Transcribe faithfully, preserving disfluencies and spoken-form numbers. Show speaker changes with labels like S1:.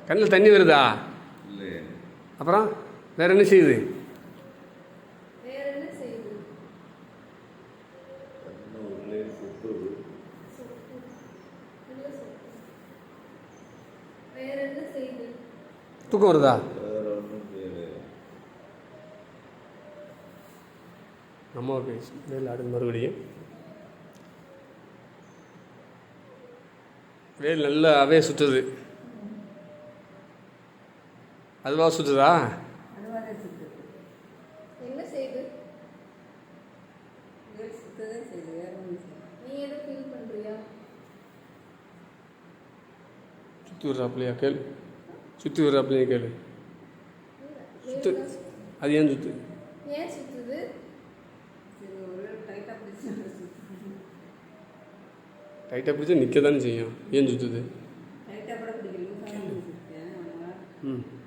S1: கண்ணில் தண்ணி வருதா? அப்புறம் வேற என்ன செய்யுது? தூக்கம் வருதா? நம்ம பேசு வேல் ஆடுது மறுபடியும். வேல் நல்லாவே சுற்றுது. அதுவா சுற்றுதா?
S2: என்ன செய்யுது? நீ எதை ஃபீல் பண்ணுறியா?
S1: சுற்றி விட்றாப்பிலையா கேளு. சுற்றி விட்றாப்பிலையா கேளு. சுத்து. அது ஏன் சுத்து?
S2: ஏன் சுற்றுது?
S1: டைட்டாக பிடிச்சி நிற்க தானே செய்யும். ஏன் சுற்றுது?
S2: டைட்டாக கூட பிடிக்கல.
S1: ம்